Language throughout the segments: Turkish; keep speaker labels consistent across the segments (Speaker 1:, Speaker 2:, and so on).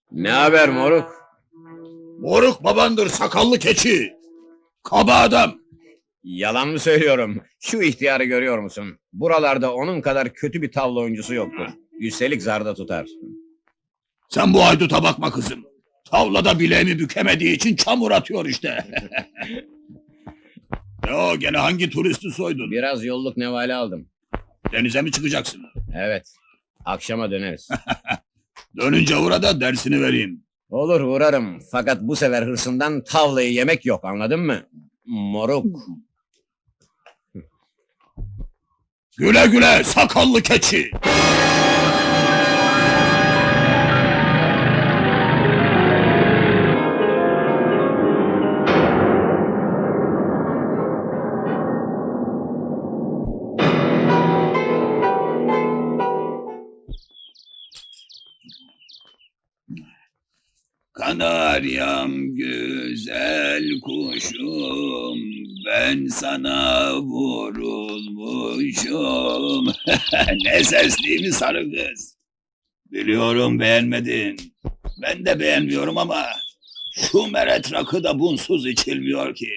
Speaker 1: Ne haber moruk?
Speaker 2: Moruk babandır, sakallı keçi. Kaba adam.
Speaker 1: Yalan mı söylüyorum? Şu ihtiyarı görüyor musun? Buralarda onun kadar kötü bir tavla oyuncusu yoktur. Üstelik zarda tutar.
Speaker 2: Sen bu hayduta bakma kızım. Tavlada bileğimi bükemediği için çamur atıyor işte. O gene hangi turisti soydun?
Speaker 1: Biraz yolluk nevale aldım.
Speaker 2: Denize mi çıkacaksın?
Speaker 1: Evet. Akşama döneriz.
Speaker 2: Dönünce uğra da dersini vereyim.
Speaker 1: Olur uğrarım. Fakat bu sefer hırsından tavlayı yemek yok, anladın mı? Moruk.
Speaker 2: Güle güle sakallı keçi. Kanaryam güzel kuşum, ben sana vurulmuşum. Ne sesliyim sarı kız. Biliyorum beğenmedin. Ben de beğenmiyorum ama şu meret rakı da bunsuz içilmiyor ki.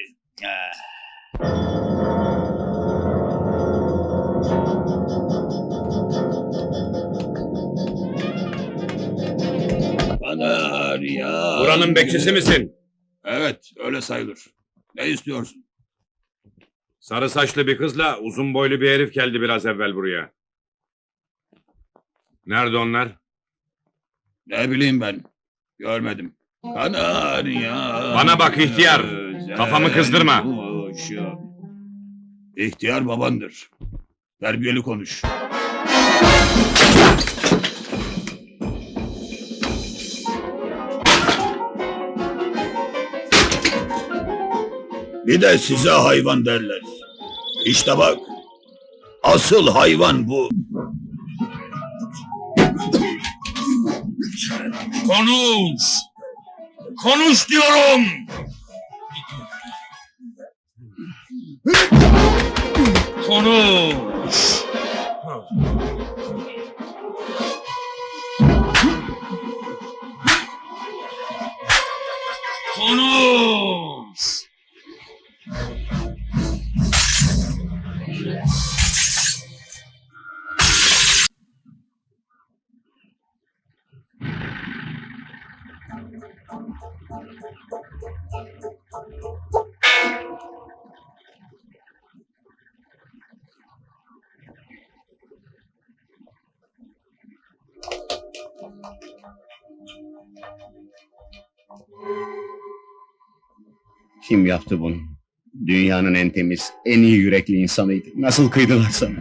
Speaker 2: Kanarya.
Speaker 3: Buranın bekçisi misin?
Speaker 2: Evet, öyle sayılır. Ne istiyorsun?
Speaker 3: Sarı saçlı bir kızla uzun boylu bir herif geldi biraz evvel buraya. Nerede onlar?
Speaker 2: Ne bileyim ben. Görmedim. Kanarya.
Speaker 3: Bana bak ihtiyar,
Speaker 2: güzel
Speaker 3: kafamı kızdırma.
Speaker 2: kuşum. İhtiyar babandır. Terbiyeli konuş. Bir de size hayvan derler. İşte bak. Asıl hayvan bu.
Speaker 3: Konuş! Konuş diyorum! Konuş! Konuş!
Speaker 1: Kim yaptı bunu? Dünyanın en temiz, en iyi yürekli insanıydı. Nasıl kıydılar sana?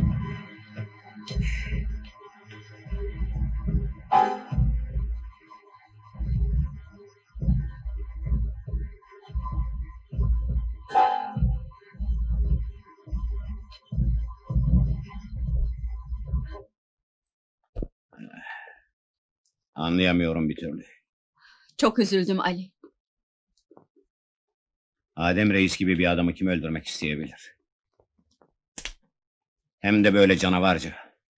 Speaker 1: Anlayamıyorum bir türlü.
Speaker 4: Çok üzüldüm Ali.
Speaker 1: Adem Reis gibi bir adamı kim öldürmek isteyebilir? Hem de böyle canavarca.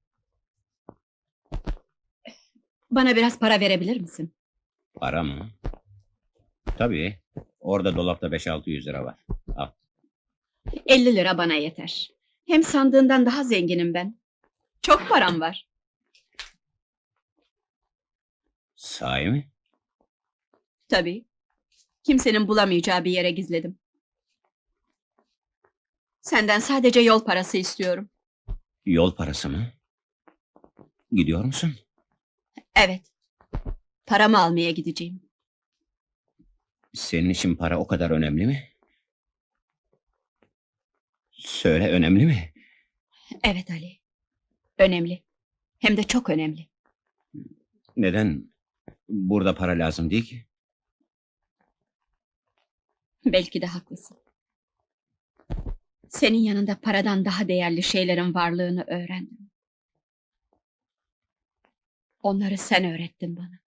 Speaker 4: Bana biraz para verebilir misin?
Speaker 1: Para mı? Tabii. Orada dolapta 5-600 lira var. Al.
Speaker 4: 50 lira bana yeter. Hem sandığından daha zenginim ben. Çok param var.
Speaker 1: Sahi mi?
Speaker 4: Tabii. Kimsenin bulamayacağı bir yere gizledim. Senden sadece yol parası istiyorum.
Speaker 1: Yol parası mı? Gidiyor musun?
Speaker 4: Evet. Paramı almaya gideceğim.
Speaker 1: Senin için para o kadar önemli mi? Söyle, önemli mi?
Speaker 4: Evet Ali. Önemli. Hem de çok önemli.
Speaker 1: Neden? Burada para lazım değil ki.
Speaker 4: Belki de haklısın. Senin yanında paradan daha değerli şeylerin varlığını öğrendim. Onları sen öğrettin bana.